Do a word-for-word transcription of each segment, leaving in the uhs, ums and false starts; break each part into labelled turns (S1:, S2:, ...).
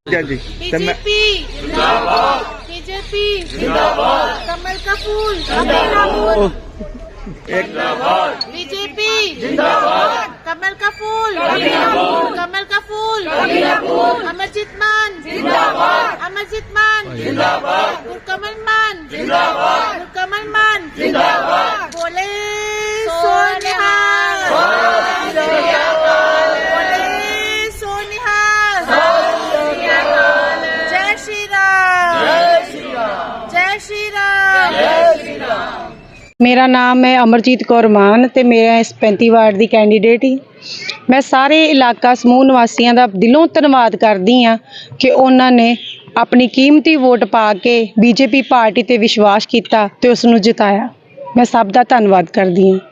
S1: जी
S2: BJP जिंदाबाद, BJP जिंदाबाद, कमल का फूल जिंदाबाद, बीजेपी जिंदाबाद, कमल का फूल जिंदाबाद, कमल का फूल जिंदाबाद, अमरजीत मान जिंदाबाद, अमरजीत मान जिंदाबाद, गुरकमल मान जिंदाबाद, गुरकमल मान जिंदाबाद, बोले सोनिहाल, बोले सोनिहाल, जय श्री राम, जय श्री राम।
S3: मेरा नाम है अमरजीत कौर मान ते मैं इस पैंती वार्ड की कैंडीडेट ही। मैं सारे इलाका समूह निवासियों का दिलों धन्यवाद करती हाँ कि उन्होंने अपनी कीमती वोट पा के बीजेपी पार्टी ते विश्वास किया ते उसनूं जिताया। मैं सब का धन्यवाद करती हाँ।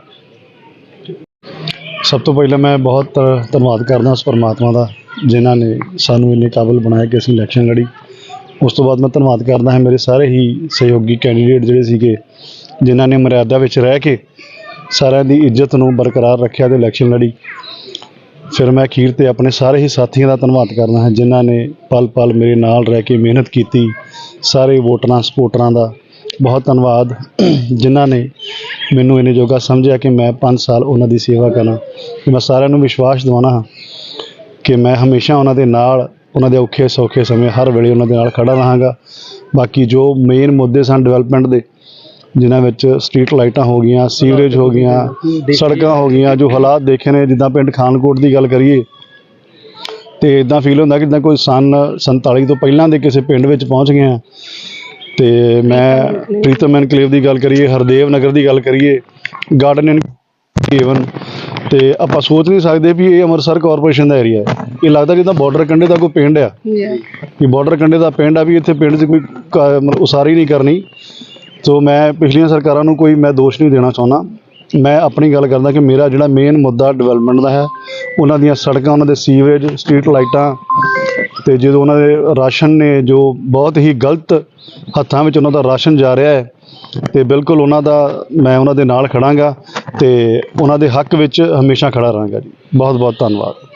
S4: सब तो पहले मैं बहुत धन्यवाद करदा उस परमात्मा का जिन्होंने सानू इन्ने काबिल बनाया कि असीं इलैक्शन लड़ी। उस तो बाद मैं धन्यवाद करदा है मेरे सारे ही सहयोगी कैंडीडेट जिहड़े सीगे जिन्होंने मर्यादा विच रह के सारिਆਂ ਦੀ ਇੱਜ਼ਤ ਨੂੰ बरकरार रखा तो इलैक्शन लड़ी। फिर मैं अखीर ते अपने सारे ही साथियों का धन्यवाद करना है जिन्होंने पल पल मेरे नाल रह के मेहनत की। सारे वोटरां सपोर्टरां का बहुत धन्यवाद जिन्होंने मैनू इन्ने जोगा समझा कि मैं पाँच साल उन्हां दी सेवा करा। मैं सारिਆਂ ਨੂੰ विश्वास दिवाना हाँ कि मैं हमेशा उन्हां दे नाल उन्हां दे औखे सौखे समय हर वेले उन्हां दे नाल खड़ा रहांगा। बाकी जो मेन मुद्दे सन डिवेलपमेंट दे जिन्हां विच स्ट्रीट लाइटां हो गई, सीवरेज हो गई, सड़कां हो गई, जो हालात देखे ने जिद्दां पिंड खानकोट की गल करिए तो इदां फील होंदा कि जिद्दां कोई सन संताली तो पहलां दे किसी पिंड विच पहुँच गए हैं। तो मैं प्रीतम एनकलेव की गल करिए, हरदेव नगर की गल करिए, गार्डन ईवन तो आप सोच नहीं सकते भी ये अमृतसर कॉरपोरेशन का एरिया है। ये लगता जिदा बॉर्डर कंढे का कोई पिंड है कि बॉर्डर कंढे का पिंड है भी इतने पिंड से कोई मतलब उसारी नहीं करनी। तो मैं पिछलियां सरकारों को कोई मैं दोष नहीं देना चाहता। मैं अपनी गल करदा कि मेरा जिहड़ा मेन मुद्दा डिवेलपमेंट का है उन्हां दीयां सड़कां, उन्हां दे सीवरेज, स्ट्रीट लाइटां ते जो उन्हां दे राशन ने जो बहुत ही गलत हत्थां विच उन्हां दा राशन जा रहा है तो बिल्कुल उन्हां दा मैं उन्हां दे नाल खड़ांगा ते उन्हां दे हक विच हमेशा खड़ा रहांगा जी। बहुत बहुत धन्यवाद।